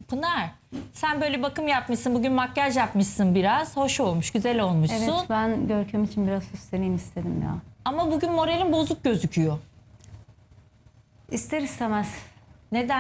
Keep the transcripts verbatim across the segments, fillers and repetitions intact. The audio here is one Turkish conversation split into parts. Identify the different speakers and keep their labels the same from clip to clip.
Speaker 1: Pınar, sen böyle bakım yapmışsın, bugün makyaj yapmışsın biraz. Hoş olmuş, güzel olmuşsun.
Speaker 2: Evet, ben Görkem için biraz süsleneyim istedim ya.
Speaker 1: Ama bugün moralin bozuk gözüküyor.
Speaker 2: İster istemez.
Speaker 1: Neden?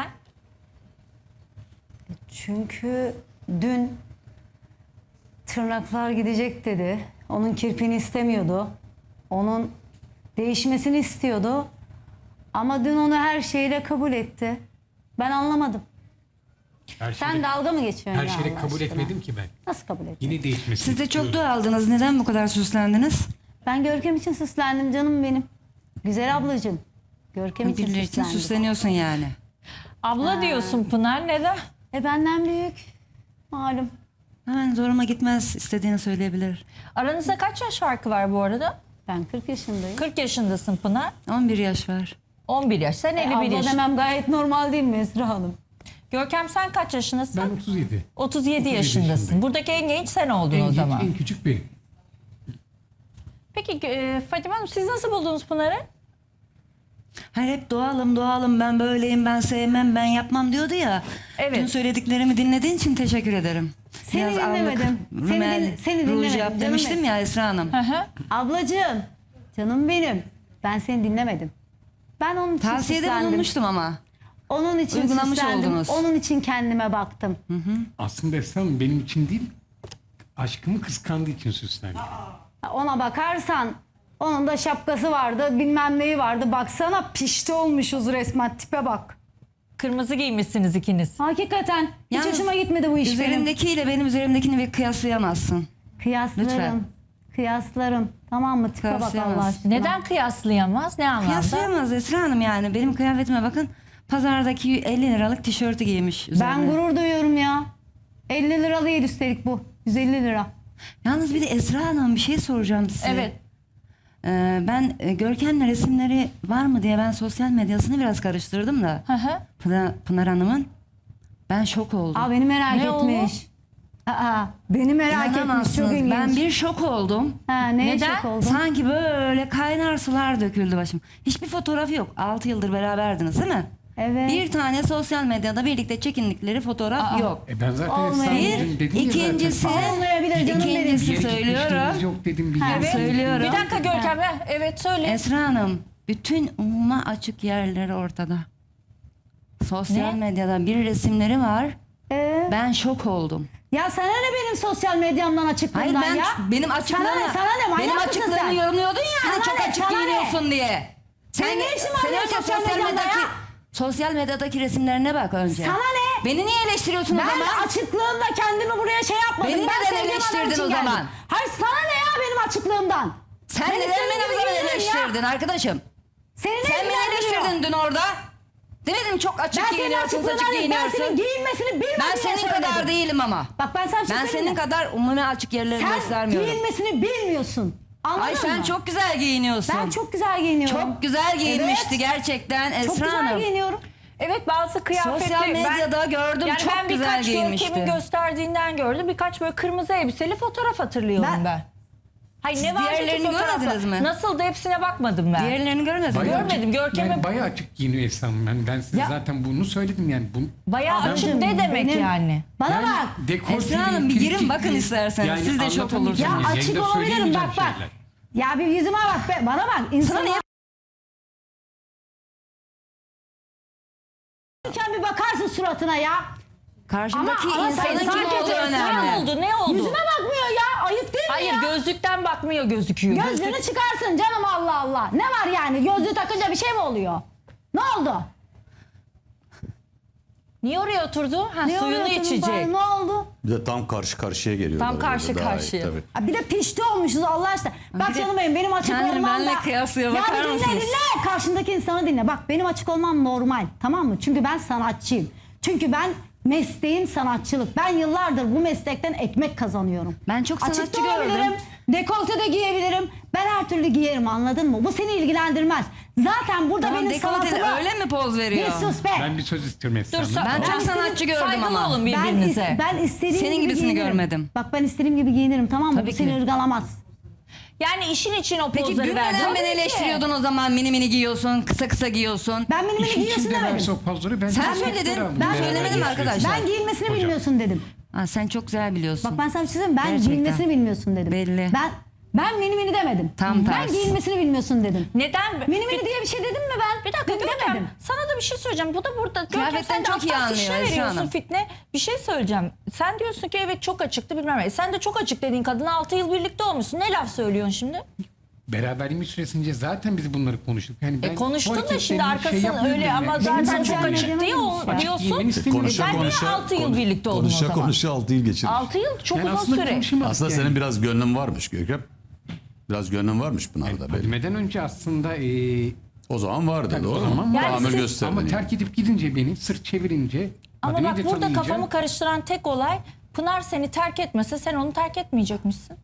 Speaker 2: Çünkü dün tırnaklar gidecek dedi. Onun kirpiğini istemiyordu. Onun değişmesini istiyordu. Ama dün onu her şeyle kabul etti. Ben anlamadım.
Speaker 3: Her
Speaker 2: Sen
Speaker 3: şeyi,
Speaker 2: dalga mı geçiyorsun
Speaker 3: her
Speaker 2: ya
Speaker 3: şeyi
Speaker 2: Allah
Speaker 3: kabul
Speaker 2: aşkına?
Speaker 3: etmedim ki ben.
Speaker 2: Nasıl kabul ettin?
Speaker 3: Yine değişmesini
Speaker 4: Siz de çok
Speaker 3: istiyorum.
Speaker 4: dua aldınız. Neden bu kadar süslendiniz?
Speaker 2: Ben Görkem için süslendim canım benim. Güzel ablacığım. Görkem için
Speaker 4: Birileri için
Speaker 2: süslendim.
Speaker 4: süsleniyorsun yani.
Speaker 1: Abla diyorsun Pınar, neden?
Speaker 2: E benden büyük. Malum.
Speaker 4: Hemen zoruma gitmez, istediğini söyleyebilir.
Speaker 1: Aranızda kaç yaş farkı var bu arada?
Speaker 2: Ben kırk yaşındayım.
Speaker 1: kırk yaşındasın Pınar.
Speaker 4: on bir yaş var.
Speaker 1: on bir yaş. Sen
Speaker 2: E,
Speaker 1: elli bir
Speaker 2: abla
Speaker 1: yaş.
Speaker 2: demem gayet normal değil mi Esra Hanım?
Speaker 1: Görkem sen kaç yaşındasın?
Speaker 3: Ben otuz yedi.
Speaker 1: otuz yedi yaşındasın.
Speaker 3: yaşındayım.
Speaker 1: Buradaki en genç sen oldun
Speaker 3: En,
Speaker 1: o
Speaker 3: genç,
Speaker 1: zaman.
Speaker 3: en küçük benim.
Speaker 1: Peki e, Fatime Hanım, siz nasıl buldunuz Pınar'ı?
Speaker 4: Hayır, hep doğalım doğalım, ben böyleyim, ben sevmem, ben yapmam diyordu ya.
Speaker 1: Evet.
Speaker 4: Dün söylediklerimi dinlediğin için teşekkür ederim.
Speaker 2: Seni
Speaker 4: Biraz allık,
Speaker 2: dinlemedim. Seni
Speaker 4: rümel,
Speaker 2: din- seni
Speaker 4: ruj
Speaker 2: dinlemedim
Speaker 4: yap
Speaker 2: canım
Speaker 4: demiştim
Speaker 2: benim.
Speaker 4: ya Esra Hanım.
Speaker 1: Hı hı.
Speaker 2: Ablacığım, canım benim. Ben seni dinlemedim. Ben onun için
Speaker 4: Tavsiyede
Speaker 2: süslendim.
Speaker 4: bulunmuştum ama.
Speaker 2: Onun için
Speaker 4: Uygulamış
Speaker 2: süslendim.
Speaker 4: oldunuz.
Speaker 2: Onun için kendime baktım.
Speaker 3: Aslında Esra Hanım benim için değil, aşkımı kıskandığı için süslendim.
Speaker 2: Ona bakarsan onun da şapkası vardı, bilmem neyi vardı. Baksana pişti olmuşuz resmen, tipe bak.
Speaker 1: Kırmızı giymişsiniz ikiniz.
Speaker 2: Hakikaten hiç
Speaker 4: Yalnız
Speaker 2: hoşuma gitmedi bu iş benim.
Speaker 4: Üzerimdekiyle benim üzerimdekini bir kıyaslayamazsın.
Speaker 2: Kıyaslarım.
Speaker 4: Lütfen.
Speaker 2: Kıyaslarım. Tamam mı? Tipe bak
Speaker 4: Kıyaslayamaz.
Speaker 2: Allah aşkına.
Speaker 1: Neden kıyaslayamaz? Ne anlamda?
Speaker 4: Kıyaslayamaz Esra Hanım yani. Benim kıyafetime bakın. Pazardaki elli liralık tişörtü giymiş üzerine.
Speaker 2: Ben gurur duyuyorum ya. elli lira değil üstelik bu. yüz elli lira.
Speaker 4: Yalnız bir de Esra Hanım, bir şey soracağım size.
Speaker 1: Evet.
Speaker 4: Ee, ben e, Görkem'le resimleri var mı diye ben sosyal medyasını biraz karıştırdım da.
Speaker 1: Hı hı.
Speaker 4: Pınar, Pınar Hanım'ın. Ben şok oldum.
Speaker 2: Aa beni merak
Speaker 1: Ne
Speaker 2: etmiş. Aa beni merak etmiş. Çok
Speaker 4: İnanamazsınız.
Speaker 2: ilginç.
Speaker 4: Ben bir şok oldum.
Speaker 2: Ha, neye
Speaker 1: Neden?
Speaker 2: şok oldun?
Speaker 4: Sanki böyle kaynar sular döküldü başım. Hiçbir fotoğrafı yok. altı yıldır beraberdiniz değil mi?
Speaker 2: Evet.
Speaker 4: Bir tane sosyal medyada birlikte çekindikleri fotoğraf
Speaker 1: Aa.
Speaker 4: yok.
Speaker 3: E ben zaten Esra Hanım
Speaker 2: Olmayabilir.
Speaker 3: dedim, dedim ya
Speaker 4: İkincisi,
Speaker 3: zaten.
Speaker 2: Olmayabilir canım benim.
Speaker 4: ikincisi
Speaker 3: Bir yere
Speaker 4: söylüyorum.
Speaker 3: gitmişliğiniz yok dedim. Bir
Speaker 2: Ha,
Speaker 3: yere
Speaker 2: evet.
Speaker 4: Söylüyorum.
Speaker 1: Bir dakika Görkem. Heh, Evet söyle.
Speaker 4: Esra Hanım, bütün umuma açık yerleri ortada. Sosyal
Speaker 1: Ne?
Speaker 4: medyada bir resimleri var.
Speaker 2: Ee,
Speaker 4: Ben şok oldum.
Speaker 2: ya sana ne benim sosyal medyamdan açıklığımdan
Speaker 4: Hayır, ben
Speaker 2: ya?
Speaker 4: benim açıklığımı,
Speaker 2: Sana ne, sana ne manyak
Speaker 4: benim
Speaker 2: mısın
Speaker 4: açıklığımı
Speaker 2: sen?
Speaker 4: yorumluyordun ya,
Speaker 2: Sana
Speaker 4: hani çok
Speaker 2: ne,
Speaker 4: açık
Speaker 2: sana ne?
Speaker 4: giyiniyorsun diye.
Speaker 2: Senin ne işin var
Speaker 4: sen
Speaker 2: benim
Speaker 4: önce
Speaker 2: sosyal medyamda
Speaker 4: medyadaki,
Speaker 2: ya?
Speaker 4: sosyal medyadaki resimlerine bak önce.
Speaker 2: Sana ne?
Speaker 4: Beni niye eleştiriyorsun o
Speaker 2: Ben
Speaker 4: zaman?
Speaker 2: açıklığımda kendimi buraya şey yapmadım.
Speaker 4: Beni
Speaker 2: ben
Speaker 4: neden
Speaker 2: sevdiğim adam
Speaker 4: eleştirdin
Speaker 2: için
Speaker 4: o
Speaker 2: geldim.
Speaker 4: zaman?
Speaker 2: Hayır sana ne ya benim açıklığımdan?
Speaker 4: Sen
Speaker 2: Ben
Speaker 4: neden
Speaker 2: istediğim
Speaker 4: beni o
Speaker 2: gibi
Speaker 4: zaman
Speaker 2: giyinirim ya.
Speaker 4: eleştirdin arkadaşım?
Speaker 2: Seni ne
Speaker 4: Sen beni
Speaker 2: ilgilendiriyor?
Speaker 4: eleştirdin dün orada. Demedim çok açık
Speaker 2: Ben senin
Speaker 4: giyiniyorsun,
Speaker 2: açıklığından
Speaker 4: açık
Speaker 2: değil, ben senin
Speaker 4: giyiniyorsun.
Speaker 2: giyinmesini bilmem
Speaker 4: Ben
Speaker 2: diye
Speaker 4: senin
Speaker 2: söyledim.
Speaker 4: kadar değilim ama.
Speaker 2: Bak ben sana bir şey
Speaker 4: Ben
Speaker 2: söyleyeyim
Speaker 4: senin
Speaker 2: mi?
Speaker 4: kadar umumi açık yerleri
Speaker 2: Sen
Speaker 4: göstermiyorum.
Speaker 2: giyinmesini bilmiyorsun. Anladın
Speaker 4: Ay sen
Speaker 2: mı?
Speaker 4: çok güzel giyiniyorsun.
Speaker 2: Ben çok güzel giyiniyorum.
Speaker 4: Çok güzel giyinmişti
Speaker 2: Evet.
Speaker 4: gerçekten Esra
Speaker 2: Çok güzel
Speaker 4: Hanım.
Speaker 2: giyiniyorum.
Speaker 1: Evet, bazı kıyafetleri
Speaker 4: Sosyal medyada gördüm,
Speaker 1: yani
Speaker 4: çok
Speaker 1: ben
Speaker 4: güzel
Speaker 1: birkaç
Speaker 4: giyinmişti.
Speaker 1: Görkem'in gösterdiğinden gördüm. Birkaç böyle kırmızı elbiseli fotoğraf hatırlıyorum ben.
Speaker 2: Ben-
Speaker 1: Hayır,
Speaker 4: Siz
Speaker 1: ne vardı ki
Speaker 4: diğerlerini
Speaker 1: fotoğrafta?
Speaker 4: görmediniz mi?
Speaker 1: Nasıldı, hepsine bakmadım ben.
Speaker 4: Diğerlerini görmedin mi?
Speaker 3: Bayağı
Speaker 1: Görmedim,
Speaker 3: açık-
Speaker 1: Görkem'e-
Speaker 3: Yani bayağı açık giyiniyor Esra Hanım. Yani ben size
Speaker 2: Ya-
Speaker 3: zaten bunu söyledim yani. Bu,
Speaker 1: Bayağı
Speaker 3: Ben-
Speaker 1: açık ne demek
Speaker 2: Benim-
Speaker 1: yani?
Speaker 2: Bana
Speaker 3: yani
Speaker 2: bak.
Speaker 3: dekolteli,
Speaker 4: Esra Hanım, bir girin
Speaker 3: kirpikli,
Speaker 4: bakın isterseniz. Siz de şok
Speaker 3: anlatamayacağım
Speaker 4: olursunuz.
Speaker 2: Ya
Speaker 3: yani.
Speaker 2: açık
Speaker 3: Yayında
Speaker 2: olabilirim
Speaker 3: söyleyemeyeceğim
Speaker 2: bak bak.
Speaker 3: şeyler.
Speaker 2: Ya bir yüzüme bak be. Bana bak. İnsan
Speaker 4: niye-
Speaker 2: bir bakarsın suratına ya.
Speaker 4: Karşımdaki
Speaker 2: Ama- ama
Speaker 4: insanın
Speaker 2: sen
Speaker 4: kim
Speaker 2: sadece
Speaker 4: olduğu
Speaker 2: Esra
Speaker 1: Ne
Speaker 4: önemli.
Speaker 1: oldu, ne oldu?
Speaker 2: Yüzüme bakmıyor ya. Ayıp değil mi
Speaker 1: Hayır,
Speaker 2: ya?
Speaker 1: gözlükten bakmıyor gözüküyor.
Speaker 2: Gözlüğünü
Speaker 1: Gözlük-
Speaker 2: çıkarsın canım Allah Allah. Ne var yani? Gözlüğü takınca bir şey mi oluyor? Ne oldu?
Speaker 1: Niye oraya oturdu? Ha,
Speaker 2: Ne
Speaker 1: suyunu
Speaker 2: oluyor senin
Speaker 1: içecek.
Speaker 2: bari? Ne oldu?
Speaker 5: Bir de tam karşı karşıya geliyorlar.
Speaker 1: Tam karşı
Speaker 5: orada, daha iyi,
Speaker 1: karşıya.
Speaker 5: tabii.
Speaker 2: Ha, bir de pişti olmuşuz Allah aşkına. Bak
Speaker 4: bir de
Speaker 2: canım benim, benim açık
Speaker 4: kendini
Speaker 2: olmam
Speaker 4: benimle
Speaker 2: da...
Speaker 4: kıyaslıyor,
Speaker 2: Ya
Speaker 4: bakar
Speaker 2: bir dinle
Speaker 4: mısınız?
Speaker 2: dinle. Karşındaki insanı dinle. Bak benim açık olmam normal. Tamam mı? Çünkü ben sanatçıyım. Çünkü ben mesleğim sanatçılık. Ben yıllardır bu meslekten ekmek kazanıyorum.
Speaker 4: Ben çok
Speaker 2: Açık
Speaker 4: sanatçı
Speaker 2: da olabilirim.
Speaker 4: gördüm.
Speaker 2: Dekolte de giyebilirim. Ben her türlü giyerim, anladın mı? Bu seni ilgilendirmez. Zaten burada
Speaker 4: Tamam,
Speaker 2: benim
Speaker 4: dekolteli
Speaker 2: sanatımı...
Speaker 4: öyle mi poz veriyor?
Speaker 2: Bir sus be.
Speaker 3: Ben bir söz istiyorum Esra
Speaker 1: Dur,
Speaker 3: Hanım.
Speaker 1: sa-
Speaker 4: Ben çok
Speaker 2: istediğim-
Speaker 4: sanatçı gördüm
Speaker 1: Saygılı
Speaker 4: ama.
Speaker 1: olun
Speaker 2: Ben, is-
Speaker 1: birbirinize.
Speaker 2: ben istediğim
Speaker 4: Senin
Speaker 2: gibi
Speaker 4: gibisini
Speaker 2: giyinirim.
Speaker 4: görmedim.
Speaker 2: Bak ben istediğim gibi giyinirim, tamam mı?
Speaker 4: Tabii
Speaker 2: Bu seni
Speaker 4: ki.
Speaker 2: ırgalamaz.
Speaker 1: Yani işin için o
Speaker 4: Peki
Speaker 1: pozları
Speaker 4: dün
Speaker 1: verdin.
Speaker 4: neden beni eleştiriyordun o zaman, mini mini giyiyorsun, kısa kısa giyiyorsun?
Speaker 2: Ben mini mini
Speaker 3: İşin
Speaker 2: giyiyorsun
Speaker 3: içinde
Speaker 2: demedim.
Speaker 3: verse o pozları ben
Speaker 4: Sen
Speaker 3: de
Speaker 4: söyledin,
Speaker 3: yaptıramam.
Speaker 4: ben
Speaker 3: Beraber
Speaker 4: söylemedim
Speaker 3: yaşıyoruz.
Speaker 4: arkadaşlar.
Speaker 2: Ben giyinmesini
Speaker 3: Hocam.
Speaker 2: bilmiyorsun dedim.
Speaker 4: Aa, sen çok güzel biliyorsun.
Speaker 2: Bak ben sana bir şey söyleyeyim. Ben
Speaker 4: Gerçekten.
Speaker 2: giyinmesini bilmiyorsun dedim.
Speaker 4: Belli.
Speaker 2: Ben ben mini mini demedim.
Speaker 4: Tam
Speaker 2: ben
Speaker 4: tersi.
Speaker 2: giyinmesini bilmiyorsun dedim.
Speaker 1: Neden?
Speaker 2: Mini mini diye bir şey dedim mi ben?
Speaker 1: Bir dakika
Speaker 2: Dün
Speaker 1: Görkem,
Speaker 2: demedim.
Speaker 1: sana da bir şey söyleyeceğim. Bu da burada. Görkem
Speaker 4: Kıyafetten
Speaker 1: sen de
Speaker 4: çok iyi
Speaker 1: aptal
Speaker 4: anlıyor
Speaker 1: fişne
Speaker 4: Esra
Speaker 1: veriyorsun
Speaker 4: Hanım.
Speaker 1: fitne. Bir şey söyleyeceğim. Sen diyorsun ki evet çok açıktı bilmem ne. Sen de çok açık dediğin kadına altı yıl birlikte olmuşsun. Ne laf söylüyorsun şimdi?
Speaker 3: Beraberliğimiz süresince zaten biz bunları konuştuk. Yani ben
Speaker 1: E konuştun
Speaker 3: bu
Speaker 1: da şimdi
Speaker 3: hareketlerini şey
Speaker 1: arkasın
Speaker 3: yapmıyorum
Speaker 1: öyle
Speaker 3: yani.
Speaker 1: ama
Speaker 3: Benim
Speaker 1: zaten
Speaker 3: zaten
Speaker 1: çok
Speaker 2: ben
Speaker 1: açık
Speaker 2: demedim
Speaker 1: diye
Speaker 2: ki.
Speaker 1: o,
Speaker 3: Ben
Speaker 1: diyorsun.
Speaker 3: giyinmeni istemiyorum.
Speaker 5: Konuşa
Speaker 1: Sen niye
Speaker 5: konuşa
Speaker 1: altı yıl birlikte oldun o
Speaker 5: konuşa
Speaker 1: zaman?
Speaker 5: konuşa altı yıl geçirmiş.
Speaker 1: altı yıl çok
Speaker 3: Yani
Speaker 1: uzun
Speaker 3: aslında
Speaker 1: süre.
Speaker 3: konuşamadık
Speaker 5: Aslında
Speaker 3: yani.
Speaker 5: senin biraz gönlün varmış Görkem. Biraz gönlün varmış Pınar'da belli.
Speaker 3: Bilmeden önce aslında e,
Speaker 5: O zaman vardı
Speaker 3: Tabii,
Speaker 5: doğru
Speaker 3: o zaman
Speaker 5: mu?
Speaker 3: vardı.
Speaker 5: Tahammül
Speaker 1: siz-
Speaker 5: gösterdin
Speaker 3: ama
Speaker 5: yani.
Speaker 3: terk edip gidince beni sırt çevirince
Speaker 1: Ama
Speaker 3: Fadime'yi
Speaker 1: bak
Speaker 3: de
Speaker 1: burada
Speaker 3: tanıyınca-
Speaker 1: kafamı karıştıran tek olay Pınar seni terk etmese sen onu terk etmeyecekmişsin.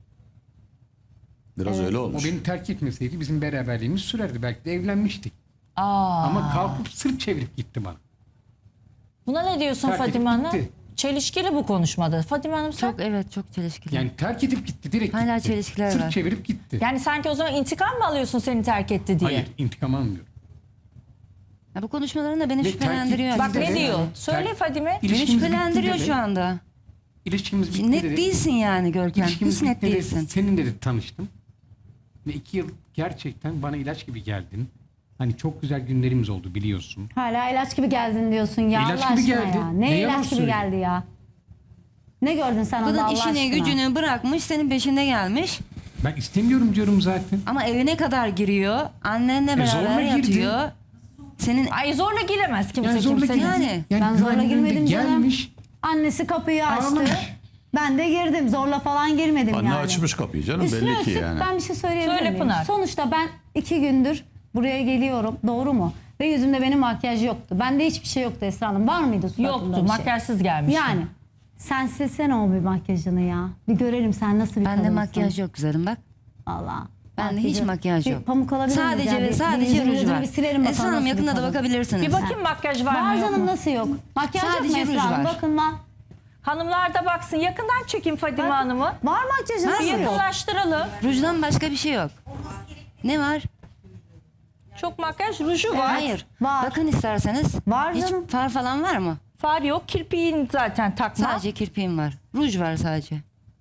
Speaker 5: Biraz öyle
Speaker 3: o
Speaker 5: olmuş.
Speaker 3: beni terk etmeseydi bizim beraberliğimiz sürerdi. Belki de evlenmiştik.
Speaker 1: Aa.
Speaker 3: Ama kalkıp sırt çevirip gitti bana.
Speaker 1: Buna ne diyorsun
Speaker 3: Terk edip
Speaker 1: Fadime Hanım?
Speaker 3: gitti.
Speaker 1: Çelişkili bu konuşmada. Fadime Hanım sen...
Speaker 4: Çok evet çok çelişkili.
Speaker 3: Yani terk edip gitti direkt
Speaker 4: Hala
Speaker 3: gitti.
Speaker 4: çelişkiler
Speaker 3: sırt
Speaker 4: var.
Speaker 3: çevirip gitti.
Speaker 1: Yani sanki o zaman intikam mı alıyorsun seni terk etti diye?
Speaker 3: Hayır intikam almıyorum.
Speaker 4: Ya bu konuşmaların da beni
Speaker 3: Ve
Speaker 4: şüphelendiriyor.
Speaker 3: terk-
Speaker 1: Bak
Speaker 4: açıkçası.
Speaker 1: ne diyor?
Speaker 3: Evet.
Speaker 1: Söyle
Speaker 3: Terk-
Speaker 1: Fadime.
Speaker 4: Beni
Speaker 3: İlişkimiz
Speaker 4: şüphelendiriyor
Speaker 3: bitti
Speaker 4: şu
Speaker 3: dedi.
Speaker 4: anda.
Speaker 3: İlişkimiz bitti
Speaker 4: Net
Speaker 3: dedi.
Speaker 4: değilsin yani Görkem.
Speaker 3: İlişkimiz
Speaker 4: Hiç net
Speaker 3: bitti dedi.
Speaker 4: değilsin.
Speaker 3: Senin dedi tanıştım. Ve iki yıl gerçekten bana ilaç gibi geldin. Hani çok güzel günlerimiz oldu biliyorsun.
Speaker 2: Hala ilaç gibi geldin diyorsun ya
Speaker 3: İlaç
Speaker 2: Allah
Speaker 3: gibi
Speaker 2: aşkına
Speaker 3: geldi.
Speaker 2: ya. Ne,
Speaker 3: Ne yalan
Speaker 2: ilaç gibi
Speaker 3: söyleyeyim.
Speaker 2: geldi ya? Ne gördün sen onda
Speaker 4: Kadın
Speaker 2: Allah
Speaker 4: işini
Speaker 2: aşkına?
Speaker 4: gücünü bırakmış, senin peşinde gelmiş.
Speaker 3: Ben istemiyorum diyorum zaten.
Speaker 4: Ama evine kadar giriyor. Annenle
Speaker 3: zorla
Speaker 4: beraber
Speaker 3: girdi.
Speaker 4: yatıyor. Senin
Speaker 1: Ay zorla giremez kimse
Speaker 3: Yani zorla
Speaker 1: kimsenin.
Speaker 3: girdi.
Speaker 4: Yani.
Speaker 3: Yani
Speaker 2: Ben zorla
Speaker 3: güvenliğinde
Speaker 2: girmedim canım.
Speaker 3: gelmiş.
Speaker 2: Annesi kapıyı açtı.
Speaker 3: Ağlamış.
Speaker 2: Ben de girdim. Zorla falan girmedim
Speaker 5: Anne
Speaker 2: yani.
Speaker 5: açmış kapıyı canım
Speaker 2: Üstüne
Speaker 5: belli ki
Speaker 2: üstlük
Speaker 5: yani.
Speaker 2: ben bir şey söyleyebilir
Speaker 1: Söyle
Speaker 2: miyim?
Speaker 1: Pınar.
Speaker 2: Sonuçta ben iki gündür buraya geliyorum. Doğru mu? Ve yüzümde benim makyaj yoktu. Bende hiçbir şey yoktu Esra Hanım. Var mıydı suratımda
Speaker 1: Yoktu.
Speaker 2: bir şey?
Speaker 1: Makyajsız gelmiş.
Speaker 2: Yani. Sen silsene o bir makyajını ya. Bir görelim sen nasıl bir
Speaker 4: bende
Speaker 2: kadınsın.
Speaker 4: makyaj yok güzelim bak.
Speaker 2: Allah.
Speaker 4: Bende hiç makyaj
Speaker 2: bir
Speaker 4: yok.
Speaker 2: Pamuk alabilir miyiz
Speaker 4: Sadece
Speaker 2: ya?
Speaker 4: ve
Speaker 2: Bir-
Speaker 4: sadece
Speaker 2: bir yüzünü
Speaker 4: ruj var.
Speaker 2: Bir silerim
Speaker 4: Esra
Speaker 2: bakalım
Speaker 4: Hanım
Speaker 2: nasıl bir
Speaker 4: yakında da
Speaker 2: kadın.
Speaker 4: bakabilirsiniz.
Speaker 1: Bir bakayım makyaj var mı
Speaker 2: Var
Speaker 1: yok
Speaker 2: canım
Speaker 1: mu?
Speaker 2: nasıl yok? Makyaj yok mu
Speaker 4: Sadece
Speaker 2: Esra
Speaker 4: ruj
Speaker 2: Hanım?
Speaker 4: var.
Speaker 2: Bakın lan.
Speaker 1: Hanımlar da baksın. Yakından çekeyim Fadime Hanım'ı.
Speaker 2: Var makyajı
Speaker 1: Bir
Speaker 2: nasıl yok?
Speaker 1: yakınlaştıralım.
Speaker 4: Rujdan başka bir şey yok. Ne var?
Speaker 1: Çok makyaj ruju var.
Speaker 4: Hayır.
Speaker 2: Var.
Speaker 4: Bakın isterseniz.
Speaker 2: Var
Speaker 4: Hiç
Speaker 2: canım.
Speaker 4: far falan var mı?
Speaker 1: Far yok. Kirpiğin zaten takma.
Speaker 4: Sadece kirpiğim var. Ruj var sadece.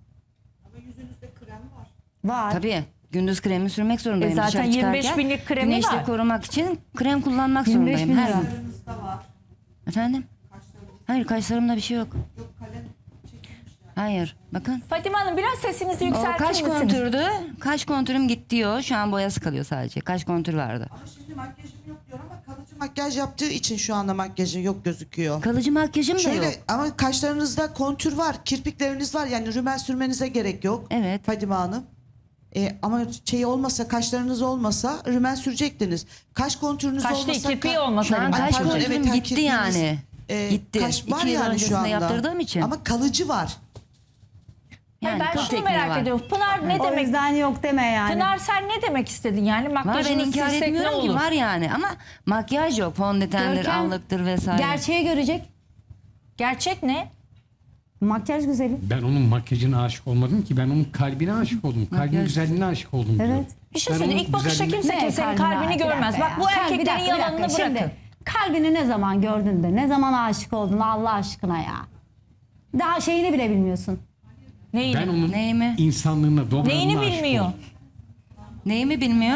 Speaker 2: Var.
Speaker 4: Tabii. Gündüz kremi sürmek zorundayım.
Speaker 1: E zaten
Speaker 4: dışarı
Speaker 1: yirmi beş
Speaker 4: çıkarken.
Speaker 1: binlik kremi
Speaker 4: Güneşte
Speaker 1: var.
Speaker 4: korumak için krem kullanmak
Speaker 2: yirmi beş
Speaker 4: zorundayım
Speaker 2: bin
Speaker 4: her
Speaker 2: lira.
Speaker 4: gün. Efendim? Hayır kaşlarımda bir şey yok. Hayır. Bakın.
Speaker 1: Fadime Hanım biraz sesinizi
Speaker 4: O
Speaker 1: yükseltir
Speaker 4: kaş
Speaker 1: misiniz?
Speaker 4: kontürdü. Kaş kontürüm gitti diyor. Şu an boyası kalıyor sadece. Kaş kontür vardı.
Speaker 6: Ama şimdi makyajım yok diyor ama kalıcı makyaj yaptığı için şu anda makyajı yok gözüküyor.
Speaker 4: Kalıcı makyajım da
Speaker 6: Şöyle
Speaker 4: yok.
Speaker 6: ama kaşlarınızda kontür var, kirpikleriniz var. Yani rümen sürmenize gerek yok.
Speaker 4: Evet.
Speaker 6: Fadime Hanım. Ee, ama şey olmasa, kaşlarınız olmasa rümen sürecektiniz. Kaş kontürünüz
Speaker 1: Kaş
Speaker 6: olmasa...
Speaker 1: değil, kirpiği
Speaker 6: ka-
Speaker 1: olmasa
Speaker 4: Şu an
Speaker 1: Ay,
Speaker 4: kaş
Speaker 6: pardon,
Speaker 4: kontürüm
Speaker 6: evet,
Speaker 4: gitti
Speaker 6: kirpiğiniz,
Speaker 4: yani.
Speaker 6: e,
Speaker 4: Gitti.
Speaker 6: Kaş var
Speaker 4: İki yıl
Speaker 6: yani şu
Speaker 4: öncesinde
Speaker 6: anda.
Speaker 4: yaptırdığım için.
Speaker 6: Ama kalıcı var.
Speaker 1: Hayır, ben
Speaker 4: kıl
Speaker 1: şunu
Speaker 4: tekniği
Speaker 1: merak
Speaker 4: var.
Speaker 1: ediyorum. Pınar ne
Speaker 2: O
Speaker 1: demek?
Speaker 2: yüzden yok deme yani.
Speaker 1: Pınar sen ne demek istedin yani?
Speaker 4: Var ben
Speaker 1: Makyajını
Speaker 4: inkar
Speaker 1: silsek ne
Speaker 4: etmiyorum ki
Speaker 1: olur?
Speaker 4: var yani ama makyaj yok. Fondötendir,
Speaker 2: Görkem,
Speaker 4: allıktır vesaire.
Speaker 2: Gerçeği görecek.
Speaker 1: Gerçek ne?
Speaker 2: Makyaj güzeli.
Speaker 3: Ben onun makyajına aşık olmadım ki. Ben onun kalbine aşık oldum. Kalbin
Speaker 4: Makyaj-
Speaker 3: güzelliğine aşık oldum diyor.
Speaker 2: Evet.
Speaker 1: Bir şey
Speaker 3: Ben
Speaker 1: söyleyeyim.
Speaker 3: onun
Speaker 1: İlk bakışta
Speaker 3: güzelliğine-
Speaker 1: kimse kimsenin
Speaker 2: kalbine-
Speaker 1: kalbini
Speaker 2: Bir
Speaker 1: görmez.
Speaker 2: dakika
Speaker 1: Bak
Speaker 2: ya.
Speaker 1: bu
Speaker 2: Kalbi- bir
Speaker 1: erkeklerin
Speaker 2: dakika, bir
Speaker 1: yalanını
Speaker 2: dakika.
Speaker 1: bırakın.
Speaker 2: Şimdi, kalbini ne zaman gördün de ne zaman aşık oldun Allah aşkına ya. Daha şeyini bile bilmiyorsun.
Speaker 1: Neyini?
Speaker 3: Ben onun
Speaker 4: Neyimi?
Speaker 3: insanlığına, dobralığına
Speaker 1: Neyini
Speaker 3: aşık
Speaker 1: bilmiyor?
Speaker 3: oldum.
Speaker 4: Neyimi bilmiyor?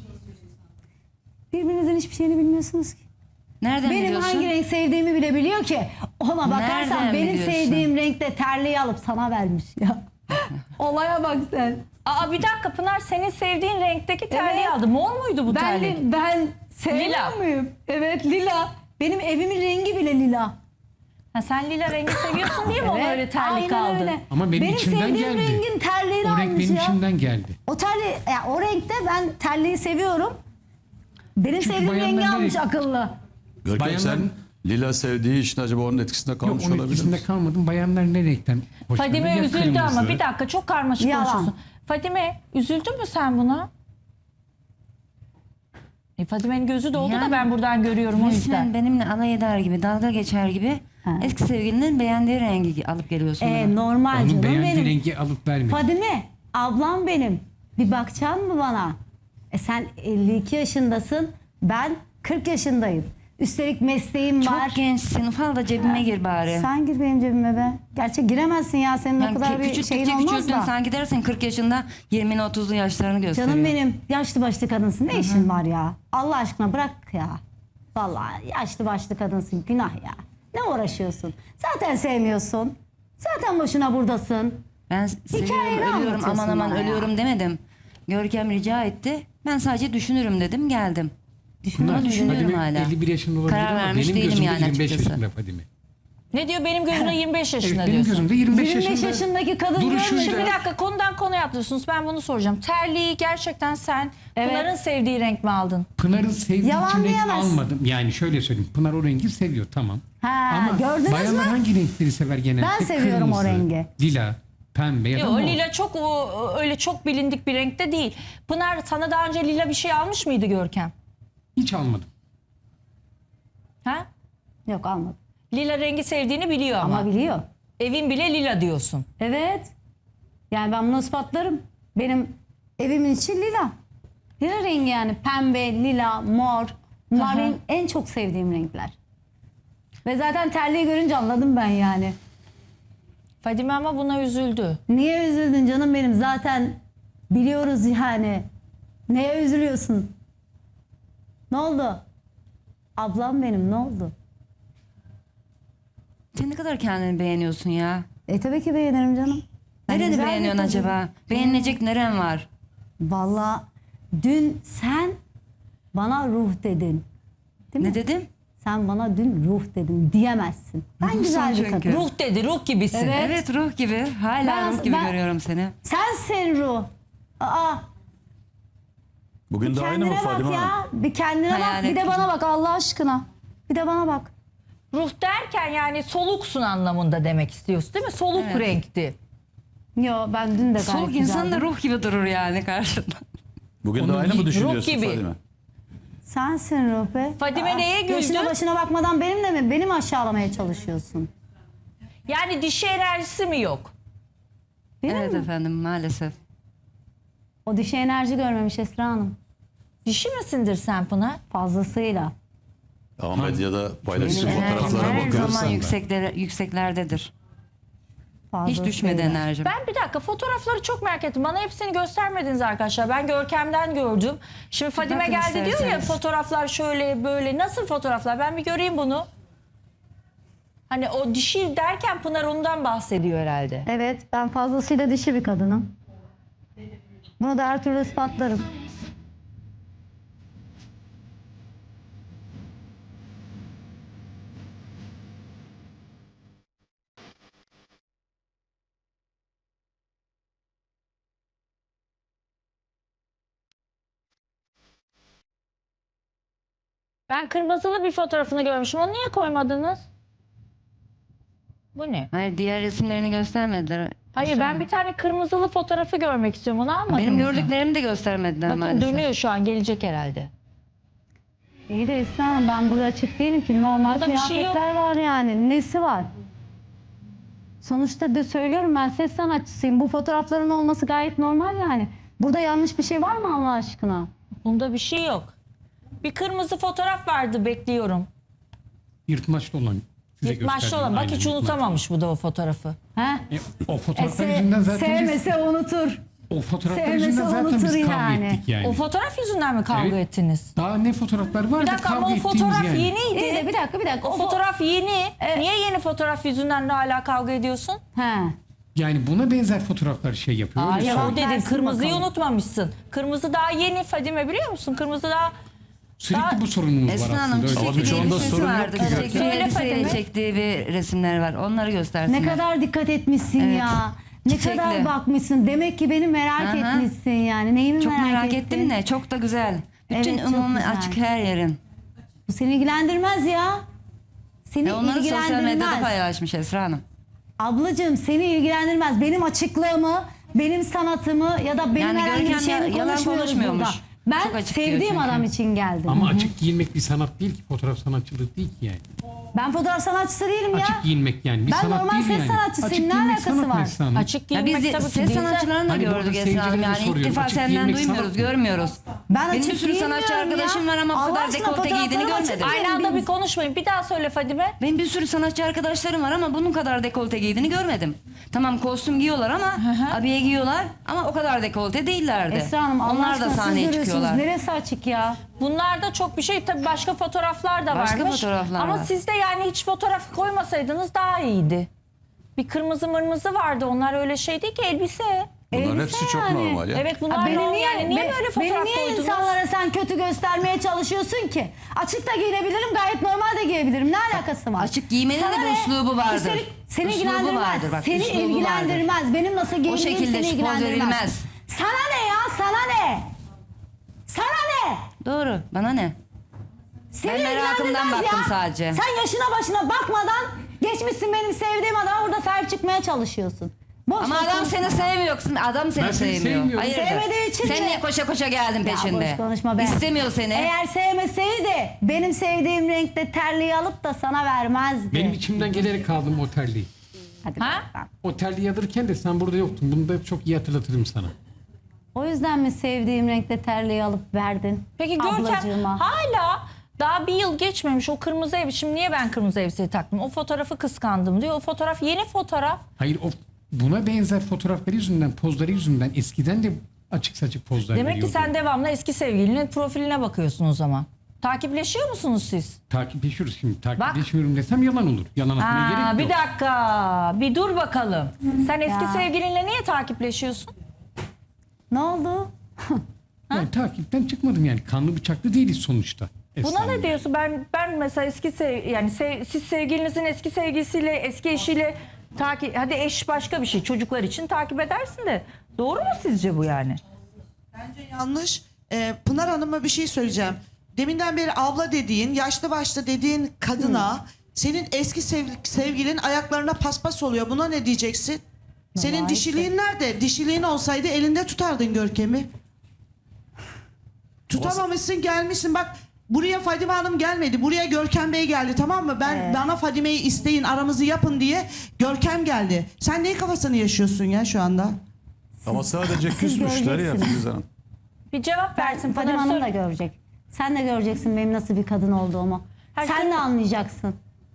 Speaker 2: Birbirinizin hiçbir şeyini bilmiyorsunuz ki.
Speaker 4: Nereden
Speaker 2: Benim
Speaker 4: biliyorsun?
Speaker 2: hangi renk sevdiğimi bile biliyor ki. Ona bakarsan
Speaker 4: Nereden
Speaker 2: benim
Speaker 4: biliyorsun?
Speaker 2: sevdiğim renkte terliği alıp sana vermiş ya. Olaya bak sen.
Speaker 1: Aa bir dakika Pınar senin sevdiğin renkteki terliği
Speaker 2: Evet.
Speaker 1: aldı. Mor muydu bu
Speaker 2: Ben,
Speaker 1: terlik?
Speaker 2: ben sevmiyor
Speaker 1: Lila.
Speaker 2: muyum? Evet lila. Benim evimin rengi bile lila.
Speaker 1: Ha, sen lila rengi seviyorsun diye mi ona öyle terlik
Speaker 2: aynen
Speaker 1: aldın?
Speaker 2: öyle.
Speaker 3: Ama benim içimden
Speaker 2: sevdiğim
Speaker 3: geldi.
Speaker 2: rengin terliğini
Speaker 3: O renk
Speaker 2: almış
Speaker 3: benim
Speaker 2: ya.
Speaker 3: içimden geldi.
Speaker 2: O terliği, ya o renkte ben terliği seviyorum. Benim
Speaker 3: Çünkü
Speaker 2: sevdiğim rengi
Speaker 3: bayanlar
Speaker 2: almış
Speaker 3: nereye-
Speaker 2: akıllı.
Speaker 5: Görkem
Speaker 3: Bayanların-
Speaker 5: sen lila sevdiği için acaba onun etkisinde
Speaker 3: Yok
Speaker 5: kalmış
Speaker 3: onun
Speaker 5: olabilir
Speaker 3: etkisinde
Speaker 5: misin?
Speaker 3: kalmadım. Bayanlar ne renkten hoşlanıyor?
Speaker 1: Fadime
Speaker 3: Ya
Speaker 1: üzüldü ama
Speaker 3: kırmızı.
Speaker 1: bir dakika çok karmaşık
Speaker 2: Yalan.
Speaker 1: konuşuyorsun. Fadime üzüldün mü sen buna? E, Fadime'nin gözü doldu da
Speaker 4: Yani-
Speaker 1: ben buradan görüyorum o
Speaker 4: Resmen
Speaker 1: yüzden.
Speaker 4: benimle alay eder gibi, dalga geçer gibi
Speaker 2: Ha.
Speaker 4: eski sevgilinin beğendiği rengi alıp geliyorsun bana.
Speaker 2: Ee, normal
Speaker 3: Onun
Speaker 2: canım
Speaker 3: beğendiği
Speaker 2: benim.
Speaker 3: rengi alıp vermedi.
Speaker 2: Fadime ablam benim. Bir bakacaksın mı bana? E sen elli iki yaşındasın. Ben kırk yaşındayım. Üstelik mesleğim var.
Speaker 4: Çok gençsin. Ufal da cebime gir bari.
Speaker 2: Sen gir benim cebime be. Gerçi giremezsin ya. Senin
Speaker 4: Yani
Speaker 2: o kadar
Speaker 4: kü-
Speaker 2: bir
Speaker 4: küçülttükçe
Speaker 2: şeyin olmaz
Speaker 4: küçülttün.
Speaker 2: da.
Speaker 4: Sen gidersin kırk yaşında yirmili otuzlu yaşlarını gösteriyor.
Speaker 2: Canım benim, yaşlı başlı kadınsın. Ne işin var ya? Allah aşkına bırak ya. Vallahi yaşlı başlı kadınsın. Günah ya. Ne uğraşıyorsun? Zaten sevmiyorsun. Zaten boşuna buradasın.
Speaker 4: Ben
Speaker 2: Hikayeni
Speaker 4: seviyorum, ölüyorum,
Speaker 2: anlatıyorsun
Speaker 4: aman aman
Speaker 2: bana ya.
Speaker 4: ölüyorum demedim. Görkem rica etti. Ben sadece düşünürüm dedim, geldim.
Speaker 3: Pınar,
Speaker 4: düşünüyorum
Speaker 3: Fadime
Speaker 4: hala.
Speaker 3: elli bir yaşında olabilir
Speaker 4: Karar
Speaker 3: ama
Speaker 4: vermiş
Speaker 3: benim
Speaker 4: değilim
Speaker 3: gözümde
Speaker 4: yani
Speaker 3: yirmi beş
Speaker 4: açıkçası.
Speaker 3: yaşında Fadime.
Speaker 1: Ne diyor benim gözümde yirmi beş
Speaker 3: Evet,
Speaker 1: yaşında
Speaker 3: benim
Speaker 1: diyorsun.
Speaker 3: gözümde yirmi beş
Speaker 2: yirmi beş
Speaker 3: yaşında.
Speaker 2: yaşındaki kadın
Speaker 3: duruşuyla-
Speaker 2: görmüyor.
Speaker 1: Bir dakika konudan konuya atlıyorsunuz. Ben bunu soracağım. Terliği gerçekten sen
Speaker 2: Evet.
Speaker 1: Pınar'ın sevdiği renk mi aldın?
Speaker 3: Pınar'ın sevdiği
Speaker 2: Yalan
Speaker 3: için renk
Speaker 2: diyemezsin.
Speaker 3: almadım. Yani şöyle söyleyeyim. Pınar o rengi seviyor tamam.
Speaker 2: Ha,
Speaker 3: Ama
Speaker 2: gördünüz
Speaker 3: bayanlar
Speaker 2: mü?
Speaker 3: hangi renkleri sever genelde?
Speaker 2: Ben seviyorum o
Speaker 3: Kırmızı,
Speaker 2: rengi.
Speaker 3: Lila, pembe ya da
Speaker 1: Yok
Speaker 3: mor.
Speaker 1: lila çok o, öyle çok bilindik bir renkte değil. Pınar sana daha önce lila bir şey almış mıydı Görkem?
Speaker 3: Hiç almadım.
Speaker 1: Ha?
Speaker 2: Yok almadım.
Speaker 1: Lila rengi sevdiğini biliyor ama.
Speaker 2: Ama biliyor.
Speaker 1: Evin bile lila diyorsun.
Speaker 2: Evet. Yani ben bunu ispatlarım. Benim evimin içi lila. Lila rengi yani. Pembe, lila, mor. Bunlar
Speaker 1: Hı hı.
Speaker 2: benim en çok sevdiğim renkler. Ve zaten terliği görünce anladım ben yani.
Speaker 1: Fadime ama buna üzüldü.
Speaker 2: Niye üzüldün canım benim? Zaten biliyoruz yani. Neye üzülüyorsun? Ne oldu? Ablam benim ne oldu?
Speaker 4: Sen ne kadar kendini beğeniyorsun ya?
Speaker 2: E tabii ki beğenirim canım. Ben
Speaker 4: Nereni
Speaker 2: güzel bir
Speaker 4: beğeniyorsun
Speaker 2: kızım.
Speaker 4: acaba? Beğenilecek neren var?
Speaker 2: Vallahi dün sen bana ruh dedin. Değil
Speaker 4: Ne
Speaker 2: mi?
Speaker 4: dedim?
Speaker 2: Sen bana dün ruh dedin diyemezsin. Ben
Speaker 4: Ruhsun
Speaker 2: güzel bir
Speaker 4: çünkü.
Speaker 2: kadın.
Speaker 1: Ruh dedi, ruh gibisin.
Speaker 2: Evet.
Speaker 4: Evet, ruh gibi. Hala
Speaker 2: Ben-
Speaker 4: ruh gibi
Speaker 2: ben-
Speaker 4: görüyorum seni.
Speaker 2: Sensin ruh. Aa,
Speaker 5: Bugün de aynı mı
Speaker 2: kendine bak
Speaker 5: Fadime Hanım?
Speaker 2: ya. Bir kendine
Speaker 4: Hayal
Speaker 2: bak. Bir de
Speaker 4: ettim.
Speaker 2: bana bak Allah aşkına. Bir de bana bak.
Speaker 1: Ruh derken yani soluksun anlamında demek istiyorsun değil mi? Soluk
Speaker 4: Evet.
Speaker 1: renkti.
Speaker 2: Yo ben dün de gayet
Speaker 4: Soğuk insan da
Speaker 2: güzeldim.
Speaker 4: ruh gibi durur yani karşında.
Speaker 5: Bugün de
Speaker 3: Onun
Speaker 5: aynı mı
Speaker 3: ruh
Speaker 5: düşünüyorsun
Speaker 1: gibi.
Speaker 5: Fadime?
Speaker 2: Sensin ruh be.
Speaker 1: Fadime neye güldü?
Speaker 2: Yaşına başına bakmadan benimle mi? Beni mi aşağılamaya çalışıyorsun?
Speaker 1: Yani dişi enerjisi mi yok?
Speaker 2: Benim
Speaker 4: Evet
Speaker 2: mi?
Speaker 4: efendim, maalesef.
Speaker 2: O dişi enerji görmemiş Esra Hanım.
Speaker 1: Dişi misindir sen Pınar?
Speaker 2: Fazlasıyla.
Speaker 5: Ama medyada paylaşılan
Speaker 4: Benim enerjim
Speaker 5: fotoğraflara
Speaker 4: her
Speaker 5: bakıyoruz.
Speaker 4: zaman yüksekler, yükseklerdedir. Hiç
Speaker 2: Fazlasıyla.
Speaker 4: düşmedi enerjim.
Speaker 1: Ben bir dakika fotoğrafları çok merak ettim. Bana hepsini göstermediniz arkadaşlar. Ben Görkem'den gördüm. Şimdi Fadime
Speaker 4: Bakın
Speaker 1: geldi diyor ya
Speaker 4: isterseniz.
Speaker 1: fotoğraflar şöyle böyle. Nasıl fotoğraflar? Ben bir göreyim bunu. Hani o dişi derken Pınar ondan bahsediyor herhalde.
Speaker 2: Evet ben fazlasıyla dişi bir kadınım. Bunu da her türlü ispatlarım.
Speaker 1: Ben kırmızılı bir fotoğrafını görmüşüm. Onu niye koymadınız? Bu ne?
Speaker 4: Hayır, diğer resimlerini göstermediler.
Speaker 1: Hayır ben bir tane kırmızılı fotoğrafı görmek istiyorum. Onu almadınız
Speaker 4: Benim
Speaker 1: mı?
Speaker 4: gördüklerimi de göstermediler
Speaker 1: Bakın
Speaker 4: maalesef.
Speaker 1: dönüyor şu an gelecek herhalde.
Speaker 2: İyi de Esra Hanım ben burada açık değilim ki. Normal
Speaker 1: Burada bir şey yok.
Speaker 2: kıyafetler var yani. Nesi var? Sonuçta de söylüyorum ben ses sanatçısıyım. Bu fotoğrafların olması gayet normal yani. Burada yanlış bir şey var mı Allah aşkına?
Speaker 1: Bunda bir şey yok. Bir kırmızı fotoğraf vardı bekliyorum.
Speaker 3: Yırtmaçlı olan. Size
Speaker 1: Yırtmaçlı
Speaker 3: gösterdim.
Speaker 1: olan. Bak
Speaker 3: Aynen,
Speaker 1: hiç
Speaker 3: yırtmaçlı.
Speaker 1: unutamamış bu da o fotoğrafı.
Speaker 2: He?
Speaker 3: E, o fotoğraflar
Speaker 2: Se-
Speaker 3: yüzünden zaten biz,
Speaker 2: sevmese unutur.
Speaker 3: o fotoğraflar
Speaker 2: sevmese
Speaker 3: yüzünden zaten biz
Speaker 2: unutur
Speaker 3: kavga
Speaker 2: yani.
Speaker 3: ettik yani.
Speaker 1: O fotoğraf yüzünden mi kavga
Speaker 3: Evet.
Speaker 1: ettiniz?
Speaker 3: Daha ne fotoğraflar var
Speaker 1: Bir
Speaker 3: da
Speaker 1: dakika ama
Speaker 3: kavga
Speaker 1: o
Speaker 3: ettiğimiz
Speaker 1: fotoğraf
Speaker 3: yani.
Speaker 1: yeniydi.
Speaker 2: İyi de bir dakika bir dakika.
Speaker 1: O
Speaker 2: fo-
Speaker 1: fotoğraf yeni. Niye yeni fotoğraf yüzünden de hala kavga ediyorsun?
Speaker 2: He.
Speaker 3: Yani buna benzer fotoğraflar şey yapıyor. öyle
Speaker 1: Hayır o
Speaker 3: söyleyeyim.
Speaker 1: dedin
Speaker 2: Tersin
Speaker 1: kırmızıyı
Speaker 2: bakalım.
Speaker 1: unutmamışsın. Kırmızı daha yeni Fadime biliyor musun? Kırmızı daha...
Speaker 3: Sürekli
Speaker 1: Daha-
Speaker 3: bu sorunumuz var
Speaker 4: Esra Hanım
Speaker 3: aslında. öyle
Speaker 5: Ama
Speaker 4: çiçekli
Speaker 3: söyleyeyim.
Speaker 5: birçoğunda
Speaker 4: elbisesi
Speaker 5: sorun yok
Speaker 4: vardı.
Speaker 5: ki zaten.
Speaker 4: Çiçekli
Speaker 1: Söyle
Speaker 4: elbiseyle
Speaker 1: Fatime.
Speaker 4: çektiği bir resimler var. Onları göstersinler.
Speaker 2: Ne kadar dikkat etmişsin
Speaker 4: Evet.
Speaker 2: ya. Ne
Speaker 4: Çiçekli.
Speaker 2: kadar bakmışsın. Demek ki beni merak
Speaker 4: Aha.
Speaker 2: etmişsin yani. Neyimi
Speaker 4: Çok
Speaker 2: merak,
Speaker 4: merak
Speaker 2: ettin?
Speaker 4: ettim de çok da güzel. Bütün
Speaker 2: Evet, çok
Speaker 4: umumi
Speaker 2: güzel.
Speaker 4: açık her yerin.
Speaker 2: Bu seni ilgilendirmez ya. Seni
Speaker 4: Ve onları sosyal medyada
Speaker 2: ilgilendirmez.
Speaker 4: paylaşmış Esra Hanım.
Speaker 2: Ablacığım seni ilgilendirmez. Benim açıklığımı, benim sanatımı ya da benim
Speaker 4: Yani
Speaker 2: herhangi bir
Speaker 4: Görkem
Speaker 2: şeyimi
Speaker 4: ya- yalan
Speaker 2: konuşmuyoruz
Speaker 4: konuşmuyormuş.
Speaker 2: burada. Ben
Speaker 4: Çok açık diyor
Speaker 2: sevdiğim
Speaker 4: çünkü.
Speaker 2: adam için geldim.
Speaker 3: Ama açık giyinmek bir sanat değil ki. Fotoğraf sanatçılığı değil ki yani.
Speaker 2: Ben fotoğraf sanatçısı değilim ya.
Speaker 3: Açık giyinmek yani bir
Speaker 2: Ben
Speaker 3: sanat
Speaker 2: normal
Speaker 3: değil
Speaker 2: ses
Speaker 3: yani.
Speaker 2: sanatçısıyım.
Speaker 3: Açık
Speaker 2: Ne
Speaker 3: giyinmek
Speaker 2: alakası
Speaker 3: sanat
Speaker 2: var?
Speaker 3: Neslihan Hanım.
Speaker 1: Açık
Speaker 4: Ya
Speaker 1: giyinmek
Speaker 4: biz
Speaker 1: tabii ki
Speaker 4: ses
Speaker 1: değil de-
Speaker 4: sanatçılarını da
Speaker 3: Hani burada
Speaker 4: gördük Esra Hanım.
Speaker 3: seyircilere
Speaker 4: Yani ilk
Speaker 3: soruyorum,
Speaker 4: defa
Speaker 3: açık
Speaker 4: senden
Speaker 3: giyinmek
Speaker 4: duymuyoruz,
Speaker 3: sanat mı?
Speaker 4: görmüyoruz.
Speaker 2: Ben
Speaker 4: Benim
Speaker 2: açık
Speaker 4: bir sürü sanatçı
Speaker 2: giyinmiyorum
Speaker 4: arkadaşım
Speaker 2: ya.
Speaker 4: var ama bu
Speaker 2: Allah
Speaker 4: kadar
Speaker 2: aşkına
Speaker 4: dekolte giydiğini
Speaker 2: fotoğraflarım açık
Speaker 4: görmedim.
Speaker 2: değil.
Speaker 1: Aynı anda
Speaker 2: Benim-
Speaker 1: bir konuşmayın. Bir daha söyle Fadime.
Speaker 4: Benim bir sürü sanatçı arkadaşlarım var ama bunun kadar dekolte giydiğini görmedim. Tamam kostüm giyiyorlar ama abiye giyiyorlar ama o kadar dekolte değillerdi.
Speaker 2: Esra Hanım Allah
Speaker 4: Onlar da
Speaker 2: aşkına siz
Speaker 4: sahneye
Speaker 2: görüyorsunuz.
Speaker 4: çıkıyorlar.
Speaker 2: Neresi açık ya?
Speaker 1: Bunlarda çok bir şey, tabii başka fotoğraflar da
Speaker 4: Başka
Speaker 1: varmış.
Speaker 4: fotoğraflar
Speaker 1: Ama
Speaker 4: var.
Speaker 1: siz de yani hiç fotoğraf koymasaydınız daha iyiydi. Bir kırmızı mırmızı vardı. Onlar öyle şey değil ki, elbise.
Speaker 5: Bunların
Speaker 2: Elbise
Speaker 5: hepsi çok
Speaker 2: yani.
Speaker 5: normal ya.
Speaker 1: Evet bunlar
Speaker 2: Ha, beni
Speaker 1: normal.
Speaker 2: niye,
Speaker 1: yani niye
Speaker 2: be-
Speaker 1: böyle fotoğraf
Speaker 2: beni niye
Speaker 1: koydunuz?
Speaker 2: insanlara sen kötü göstermeye çalışıyorsun ki? Açık da giyinebilirim, gayet normal de giyebilirim. Ne alakası var?
Speaker 4: Açık giymenin
Speaker 2: Sana
Speaker 4: de bir
Speaker 2: ne?
Speaker 4: üslubu vardır.
Speaker 2: Üstelik seni
Speaker 4: Üslubu
Speaker 2: ilgilendirmez.
Speaker 4: vardır bak,
Speaker 2: seni
Speaker 4: üslubu
Speaker 2: ilgilendirmez. Benim nasıl giyindiğim
Speaker 4: şekilde
Speaker 2: seni
Speaker 4: poz
Speaker 2: ilgilendirmez.
Speaker 4: verilmez.
Speaker 2: Sana ne ya? Sana ne? Sana ne?
Speaker 4: Doğru. Bana ne?
Speaker 2: Seni
Speaker 4: Ben merakımdan
Speaker 2: ilgilendirmez
Speaker 4: baktım
Speaker 2: ya.
Speaker 4: sadece.
Speaker 2: Sen yaşına başına bakmadan geçmişsin benim sevdiğim adama, burada sahip çıkmaya çalışıyorsun. Boş
Speaker 4: Ama
Speaker 2: boş
Speaker 4: adam
Speaker 2: konuşma.
Speaker 4: seni sevmiyor. Adam seni
Speaker 3: Ben seni
Speaker 4: sevmiyor.
Speaker 3: sevmiyorum.
Speaker 4: Hayırdır?
Speaker 2: Sevmediği için
Speaker 4: Sen
Speaker 2: de-
Speaker 4: niye koşa koşa geldin
Speaker 2: Ya
Speaker 4: peşinde?
Speaker 2: boş konuşma be.
Speaker 4: İstemiyor seni.
Speaker 2: Eğer sevmeseydi benim sevdiğim renkte terliği alıp da sana vermezdi.
Speaker 3: Benim içimden gelerek kaldım o terliği.
Speaker 2: Hadi
Speaker 1: Ha?
Speaker 2: bakalım.
Speaker 3: O terliği alırken de sen burada yoktun. Bunu da çok iyi hatırlatırım sana.
Speaker 2: O yüzden mi sevdiğim renkte terliği alıp verdin?
Speaker 1: Peki Görkem
Speaker 2: ablacığıma?
Speaker 1: hala daha bir yıl geçmemiş o kırmızı ev. Şimdi niye ben kırmızı elbiseyi taktım? O fotoğrafı kıskandım diyor. O fotoğraf yeni fotoğraf.
Speaker 3: Hayır o buna benzer fotoğrafları yüzünden, pozları yüzünden eskiden de açık saçık pozlar
Speaker 1: Demek ki
Speaker 3: veriyordu.
Speaker 1: sen devamlı eski sevgilinin profiline bakıyorsun o zaman. Takipleşiyor musunuz siz?
Speaker 3: Takipleşiyoruz şimdi. Takipleşiyorum desem yalan olur. Yalan atmaya
Speaker 1: Aa,
Speaker 3: gerek
Speaker 1: bir
Speaker 3: yok.
Speaker 1: dakika. Bir dur bakalım. Sen eski
Speaker 2: Ya.
Speaker 1: sevgilinle niye takipleşiyorsun?
Speaker 2: Ne oldu?
Speaker 3: Yani takipten çıkmadım yani. Kanlı bıçaklı değiliz sonuçta.
Speaker 1: Buna
Speaker 3: Esra
Speaker 1: ne
Speaker 3: Hanım.
Speaker 1: diyorsun? Ben ben mesela eski sev yani sev- siz sevgilinizin eski sevgilisiyle, eski eşiyle takip, hadi eş başka bir şey, çocuklar için takip edersin de doğru mu sizce bu yani?
Speaker 6: Bence yanlış. Ee, Pınar Hanım'a bir şey söyleyeceğim. Deminden beri abla dediğin, yaşlı başlı dediğin kadına senin eski sev- sevgilin ayaklarına paspas oluyor. Buna ne diyeceksin? Senin
Speaker 2: Vallahi
Speaker 6: dişiliğin nerede? Dişiliğin olsaydı elinde tutardın Görkem'i. Tutamamışsın, gelmişsin. Bak buraya Fadime Hanım gelmedi. Buraya Görkem Bey geldi, tamam mı? Ben bana Fadime'yi isteyin, aramızı yapın diye Görkem geldi. Sen neyin kafasını yaşıyorsun ya şu anda?
Speaker 5: Ama sadece küsmüşler ya
Speaker 2: göreceksiniz.
Speaker 5: Filiz Hanım.
Speaker 1: Bir cevap versin
Speaker 2: Fadime
Speaker 1: Pınar.
Speaker 2: Hanım
Speaker 1: Sor-
Speaker 2: da görecek. Sen de göreceksin benim nasıl bir kadın olduğumu.
Speaker 1: Her
Speaker 2: Sen
Speaker 1: şey-
Speaker 2: de anlayacaksın.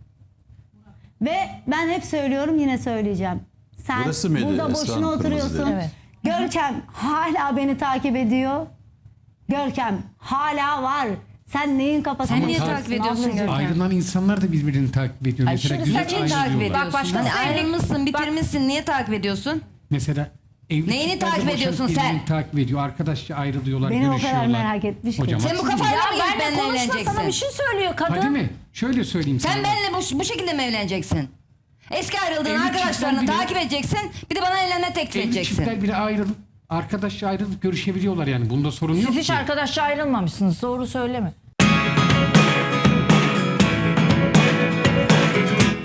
Speaker 2: Ve ben hep söylüyorum, yine söyleyeceğim. Sen
Speaker 5: Burası mıydı
Speaker 2: burada
Speaker 5: Esra
Speaker 2: boşuna
Speaker 5: Hanım, kırmızı
Speaker 2: oturuyorsun.
Speaker 5: dedi?
Speaker 1: Evet.
Speaker 2: Görkem hala beni takip ediyor. Görkem hala var. Sen neyin kafasını
Speaker 4: Sen niye
Speaker 2: yaşıyorsun
Speaker 4: takip ediyorsun
Speaker 2: ablacığım?
Speaker 4: Görkem?
Speaker 3: Ayrılan insanlar da birbirini takip ediyor.
Speaker 1: Ay
Speaker 3: Mesela
Speaker 1: şimdi
Speaker 3: güzel
Speaker 1: sen niye
Speaker 3: ayrılıyorlar.
Speaker 4: takip ediyorsun?
Speaker 1: Bak başka
Speaker 4: Hani
Speaker 1: sevgili-
Speaker 4: ayrılmışsın, bitirmişsin. Niye takip ediyorsun?
Speaker 3: Mesela evli
Speaker 4: Neyini
Speaker 3: çiftler de
Speaker 4: takip
Speaker 3: boşanıp
Speaker 4: ediyorsun
Speaker 3: birbirini
Speaker 4: sen?
Speaker 3: takip ediyor. Arkadaşça ayrılıyorlar,
Speaker 2: Beni o kadar
Speaker 3: görüşüyorlar.
Speaker 2: merak etmiş ki.
Speaker 3: Hocam
Speaker 4: Sen bu
Speaker 3: haksız
Speaker 4: kafayla
Speaker 3: mıyım?
Speaker 4: mı
Speaker 1: Ya
Speaker 4: gelip
Speaker 1: benle
Speaker 4: benimle
Speaker 1: konuşma, sana
Speaker 4: evleneceksin?
Speaker 1: bir şey söylüyor kadın.
Speaker 3: Fadime şöyle söyleyeyim sana.
Speaker 4: Sen benimle bu, bu şekilde mi evleneceksin? Eski ayrıldığın
Speaker 3: Evli
Speaker 4: arkadaşlarını
Speaker 3: çiftler bile-
Speaker 4: takip edeceksin. Bir de bana evlenme teklif
Speaker 3: Evli
Speaker 4: edeceksin.
Speaker 3: çiftler biri ayrılıp arkadaşça ayrılıp görüşebiliyorlar yani. Bunda sorun yok
Speaker 1: Siz hiç
Speaker 3: ki.
Speaker 1: arkadaşça ayrılmamışsınız. Doğru söyleme.